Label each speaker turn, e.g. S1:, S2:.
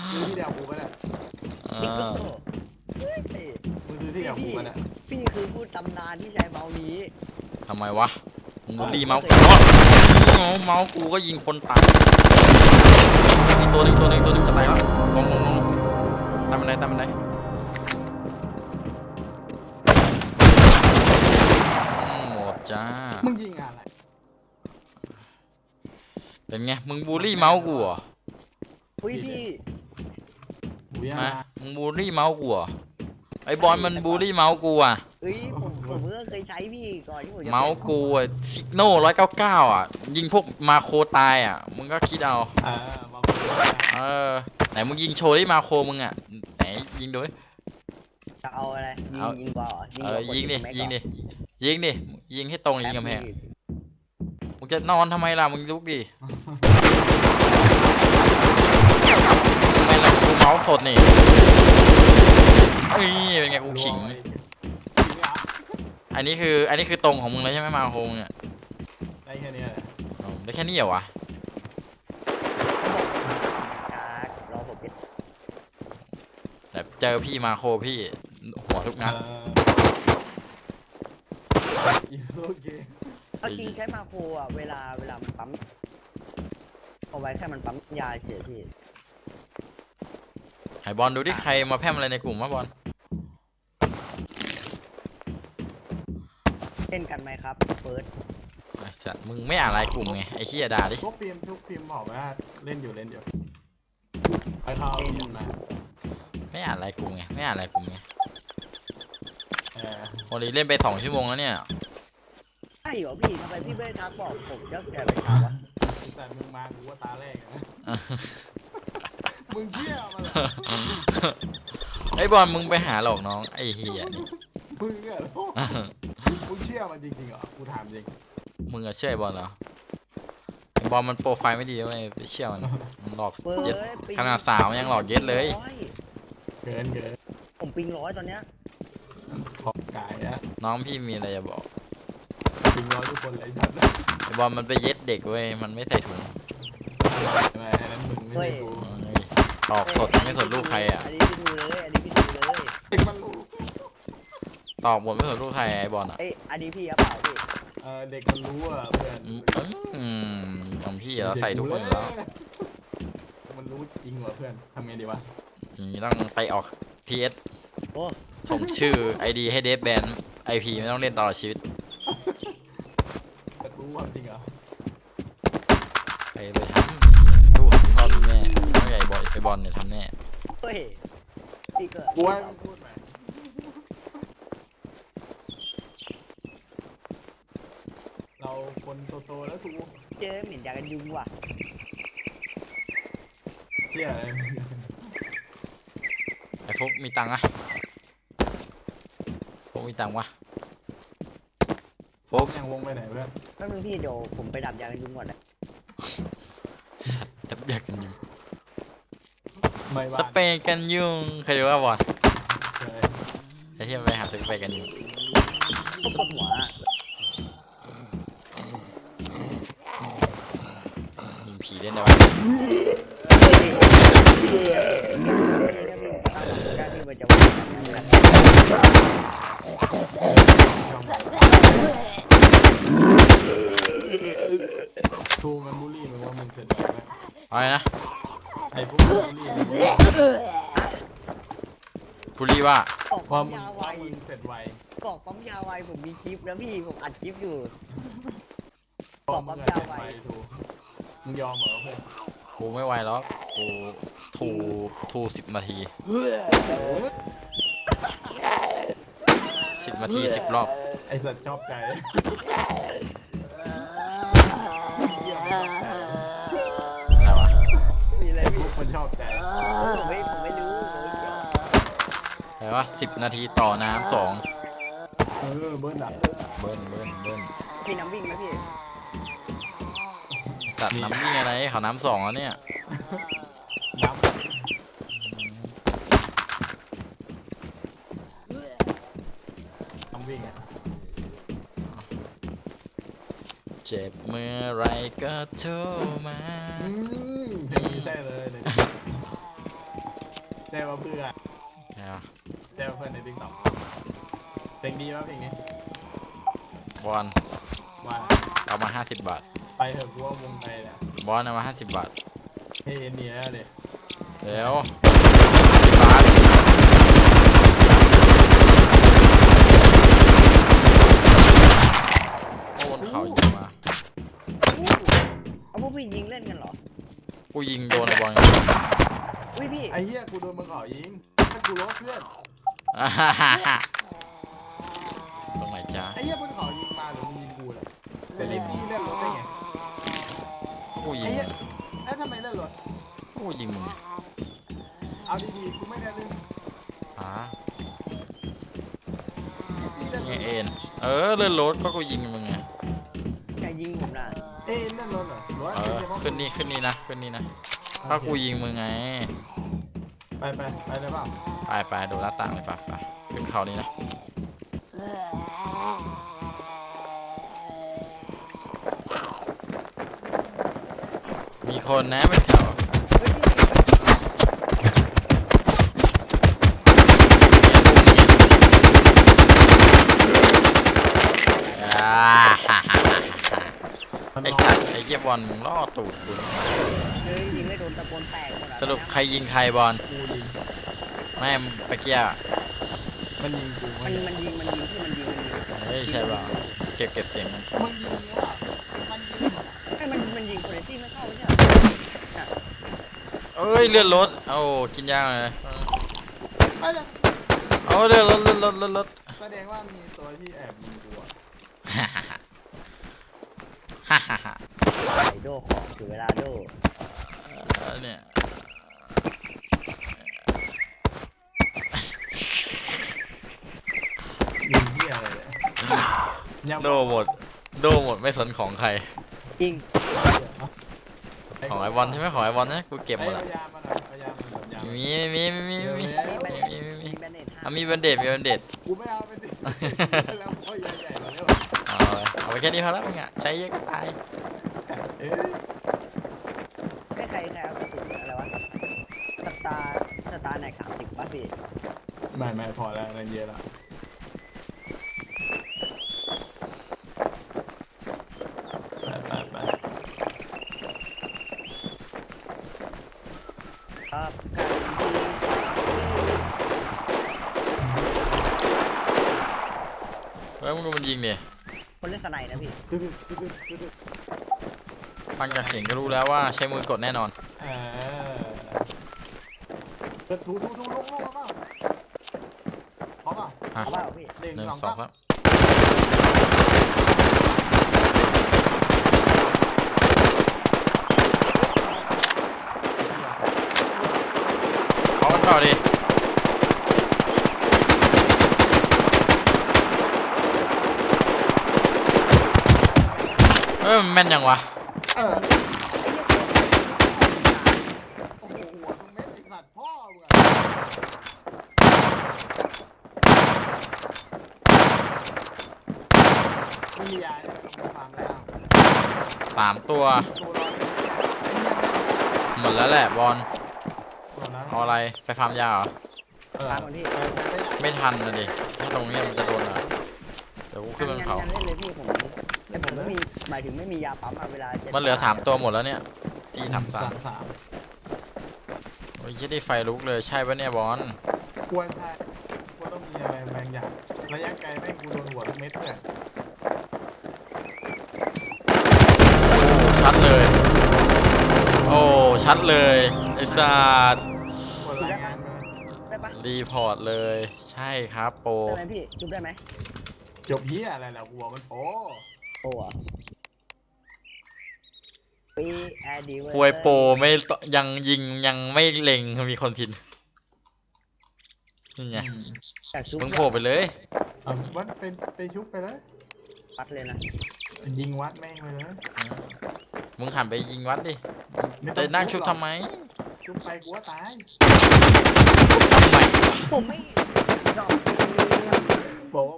S1: ซื้อที่เดียวกูปะเนี่ย
S2: อ่า
S1: มึงซื้อที่เดียวกูปะเนี่ย
S3: พี่คือผู้ตำนานที่ใช้เมาส์นี้
S2: ทำไมวะมึงบูลลี่เมาส์กูเมาส์กูก็ยิงคนตายอีกตัวหนึ่งจะตายแล้วลงตามมันไหนหมดจ้า
S1: มึงยิงอะไร
S2: เป็นไงมึงบูลลี่เมาส์กูเหรอ
S3: อุ้ยพี่
S1: กูยัง
S2: มามึงบูลลี่เมาส์กูเหรอไอ้บอลมันบูลลี่เมาส์กูอ่ะ
S3: เอ้ยผมก็เคยใช้พี่ก่อนที่ผมจะ
S2: เมาส์กูอ่ะซิกโน่199อ่ะยิงพวกมาโคตายอ่ะมึงก็คิดเอา
S1: มา
S2: เออไหนมึงยิงโชว์ที่มาโคมึงอ่ะไหนยิงดูดิ
S3: จะเอาอะไรยิงบอล
S2: ยิงดิยิงให้ตรงยิงกำแพงมึงจะนอนทำไมล่ะมึงลุกดิทำไมล่ะกูเมาส์สดนี่เอ้ยเป็นไงกูขิงอันนี้คือตรงของมึงเลยใช่ไหมมาโคงเนี่ย
S1: ได้แค่นี้แหละ
S2: ได้แค่นี้เหรอวะ
S3: รอผมเป็น
S2: แต่เจอพี่มาโคพี่หัวทุกนัด
S1: อิโซเกะ
S3: เอาจริงใช้มาโครอ่ะเวลามันปั๊มเอาไว้แค่มันปั๊มยาเฉยพี่
S2: ไอ้บอลดูดิใครมาแพร่มอะไรในกลุ่มวะบอล
S3: เล่นกันไหมครับเฟิร์ส
S2: ไอ้สัตว์มึงไม่อ่านรายกลุ่มไงไอ้เหี้ยด่าดิ
S1: ทุกฟิล์มบอกว่าเล่นอยู่ไปเข้าฟิล์มมา
S2: ไม่อ่านรายกลุ่มไงไม่อ่านรายกลุ่มไง
S1: เออ
S2: วันนี้เล่นไป2 ชั่วโมงแล้วเนี่ย
S3: ใช่เหรอพี่ทำไมพี่ไม่ทักบอกผมจะแก่ไปถามวะ
S1: แต่มึงมากูว่าตาแรกนะมึงเชี่ยมาเหรอ
S2: ไอ้บอลมึงไปหาหลอกน้องไอ้เหี้ยนี่
S1: มึงเนี่ยมึงเชี่ยมันจริงๆเหรอกูถามจริง
S2: มึงอะเชื่อไอ้บอลเหรอไอ้บอลมันโปรไฟล์ไม่ดีเว้ยไปเชื่อมันหลอก
S3: เฟิร์
S2: เย็ด
S3: ส
S2: ขนาดสาวยังหลอกเย็ดเลย
S1: เกิน
S3: ผมปิง100ตอนเนี้ย
S1: ขอบกายนะ
S2: น้องพี่มีอะไรจะบอก
S1: จริงร้อยทุกคนเลยชัด
S2: ไอ้บอลมันไปเย็ดเด็กเว้ยมันไม่ใส่ถุง
S1: ไม่นั้นมึงไม่ใช่กู
S2: เฮ้ยหลอกสดไม่สนลูกใครอ่ะ
S3: อันนี้พี่ดูเลยอันนี้พี่ดูเลย
S1: เด็กมันรู้
S2: ตอบหมดไม่สนลูกใครไอ้บอลอ่ะ
S3: เอ้ยอันนี้พี่ครับเปล่าพี่
S1: เด็กมันรู้อ่ะเพื่อน
S2: ของพี่เราใส่ทุกคนอยู่แล้ว
S1: มันรู้จริงเหรอเพื่อนทำไงดีวะ
S2: อย่างนี้ต้องไปออก PS
S3: โอ้
S2: ส่งชื่อ ID ให้เดฟแบน IP ไม่ต้องเล่นตลอดชีวิต
S1: จะรู้ความจริงเหรอ
S2: ไปทำลูกพ่อมีแม่ไม่ใหญ่บอลไอบอลเนี่ยทำแน่
S3: เฮ้ยพี่เกิด
S1: กูให้มึงพูดใหม่เราคนโตๆแล้วสู
S3: เจอเหม็นยากันยุงว่ะ
S1: เที่ยอะไร
S2: ไอ้พวกมีตังค์อะพวกมีตังค์วะพวก
S1: ยังวงไปไหนเพื่อน
S3: แป๊บนึงพี่เดี๋ยวผมไปดับยากันยุงก่อนนะ
S2: ดับอยากกันยุง
S1: ไม่
S2: ส
S1: บ้าน
S2: เปรย์กันยุงเคยดูว่าบอล
S1: เคย
S2: ไอ้ที่มันไปหาสเปรย์กันยุง
S3: ผมปวดหัวอะ
S2: ยิงผีเล่นได้ปะ
S1: ทูมันบูลลี่มึงว่ามึงเสร็จแล้วไหม
S2: อะไรนะ
S1: ไอ้พวกบูลลี่มึงว่า
S2: บุรีว่า
S3: กล่อง
S1: ว่า
S3: ปั๊ม
S1: มึง
S3: ยาไว
S1: ว่ามึงเสร็จไว
S3: กล่องปั๊มยาไวผมมีคลิปแล้วพี่ผมอัดคลิปอยู่
S1: พอมึงเสร็จไวทูมึงยอมเหรอเพื่อน
S2: กูไม่ไหวแล้วกูทู10 นาที 10 นาที 10 รอบ
S1: ไอ้สัตว์ชอบใจเยี่ยมชอบใจ
S2: อะไรวะ
S3: มีอะไร
S1: ไอ้พ
S3: พี่
S1: วกมันชอบใจ
S3: ผมไม่รู้ผมไม่เกี่ยว
S2: อะไรวะ10 นาทีต่อน้ำ2
S1: เบิ้ลอ่ะ
S2: เบิ้ล
S3: มีน้ำวิ่งไหมพี่
S2: ตัดน้ำวิ่งอะไรเขาน้ำ2แล้วเนี่ย
S1: น้ำน้ำวิ่งอ่ะ
S2: เจ็บเมื่อไรก็โทรมา
S1: เพลงนี้ใช่เลยเนี่ยได้มาเพื่อน
S2: ใช่ปะ
S1: ได้มาเพื่อนในติ๊กต็อกเพลงดีป่ะเพลงนี้
S2: บอล
S1: มา
S2: เอามา50 บาท
S1: ไปเถอะกูว่าวงไทยเนี่ย
S2: บอลเอามา50 บาท
S1: ให้เอ็นดีแล้วเลย
S2: เดี๋ยวบาทโอนเขายิงมา
S3: เอาพวกพี่ยิงเล่นกันเหรอ
S2: กูยิงโดนไอ้บอล
S3: อุ้ยพี่
S1: ไอ้เหี้ยกูโดนมึงขอยิงถ้ากูลบเพื่อน
S2: ตรงไหนจ๊ะ
S1: ไอ้เหี้ยมึงขอยิงมาหรือมึงยิงกูเลยแต่ในที่เล่นรถได้ไง
S2: กูยิ
S1: ไอ้
S2: ง
S1: เหี้ยแล้วทำไมเล่นรถ
S2: กูยิงมึงไง
S1: เอาดีๆกูไม่ได้เล่น
S2: ฮะ
S1: ไอ้ตีเล่นร
S2: ไง
S1: ถ
S2: เอ็นเลื่อนรถก็กูยิงมึงไง
S3: ใครยิงผมน่ะ
S1: เอ็นเล่นรถเหรอรถ
S2: ขึ้นนี่นะถ้ากูยิงมึงไง
S1: ไปเลยเปล่า
S2: ไปดูหน้าต่างเลยไปขึ้นเขานี้นะ มีคนนะเป็นเขา
S3: เฮ้ยพี่
S1: มัน
S2: ไอ้
S1: รอ
S2: สัตว์ไอ้เหี้ยบอลมึงล่อตูดกู
S3: เฮ้ยยิงไม่โดนตะโกนแตกหมดอะ
S2: สรุปใครยิงใครบอล
S1: กูยิง
S2: แม่งไปเกี้ย
S1: มันยิงกู
S3: มันยิงที่มันยิง
S2: เฮ้ยใช่เปล่าเก็บเสียงมัน
S1: มึงยิงเนี่ยมันยิง
S3: ให้มันยิงโคเรตี้ไม่เข้าไม่ใช่เหรอ
S2: เอ้ยเลื่อนรถเอากินยาเลย
S1: ไม่เลย
S2: เอาเลื่อนรถ
S1: แสดงว่ามีตัวที่แอบยิงกูอะ
S3: ไอโดของถึงเวลาโด
S2: เนี่ย
S1: ยิงเหี้ยอะไรเนี่ยยัง
S2: โดหมดไม่สนของใคร
S3: จริง
S2: ของไอบอลใช่ไหมของไอบอลนะกูเก็บหมด
S1: เอา
S2: ละ
S1: ยามาหน่อยเอายามาหน่อยยามา
S2: มีมีแบนเดด
S1: กูไม่เอาไปดิแล้วพ่อใหญ่ๆมาแล้ว
S2: เอาไปแค่นี้พอแล้วมึงอ่ะใช้เยอะก็ตาย
S1: เอ๊ะ
S3: ไม่ใครเอากระสุนอะไรวะสตาร์ไหน30ป่ะพี่
S1: ไม่พอแล้วนั่นเยอะละไป
S3: ครับการ
S2: เฮ้ยมึงดูมันยิงดิ
S3: คนเล่นสไนด์นะพี่
S1: คือ
S2: ฟังจากเสียงก็รู้แล้วว่าใช้มือกดแน่นอน
S1: ถูลงแล้วเปล่าพร้อมเปล่า
S2: อ่ะ
S3: เอาเปล่าพี่
S1: หนึ่ง
S2: 1
S1: สอง
S2: 2
S1: สาม
S2: ครับเอากันต่อดิมันแม่นยังวะ
S1: โอ้โหหัวตรงเม็ดไอ้สัตว์พ่อมึงอะไม่มียาเนี่ยมันฟาร์มแล้ว
S2: 3 ตัว
S1: ตัวรอด
S2: หมดแล้วแหละบอล
S1: ตัวนะ
S2: เอาอะไรไปฟาร์มยาเหรอ
S3: ตามคนที่
S2: ไม่ทันนะดิถ้าตรงนี้มันจะโดนอ่ะเดี๋ยวกูขึ้นบนเขา
S3: งั้นเล่นเลยพี่ผมแต่ผมไม่มีหมายถึงไม่มียาปั๊มอะเวลาจะ
S2: มันเหลือ3 ตัวหมดแล้วเนี่ยตี
S1: สาม
S2: 33โอ้ยยี่ได้ไฟลุกเลยใช่ปะเนี่ยบอล
S1: ควรใช่ควรต้องมีอะไรบางอย่างระยะไกลแม่งกูโดนหัวทุกเม็ดเนี่ย
S2: ชัดเลยโอ้ชัดเลยไอ้สัตว์
S1: ควรรายงานมา
S3: ได้ปะ
S2: รีพอร์ตเลยใช่ครับโปร
S3: ได้ไหมพี่จุบได้ไหม
S1: จบเหี้ยอะไรล่ะหัวมันโอ้
S3: โอ้อะปีแอดีเวอร์
S2: ควยโปรไม่ตยังยิงยังไม่เล็งมีคนพินนี่ไง
S3: จากจุบ
S2: มึงโผล่ไปเลย
S1: เอาวัดเป็นไปชุบไปเลย
S3: ปัดเลยนะ
S1: ยิงวัดแม่งไปเลย
S2: มึงหันไปยิงวัดดิ
S1: ไม่ต้อง
S2: จะนั่งชุบทำไม
S1: ชุบไปกูว่าตาย
S2: ทำไม
S3: ผมไม่ดอก
S1: บอกว่า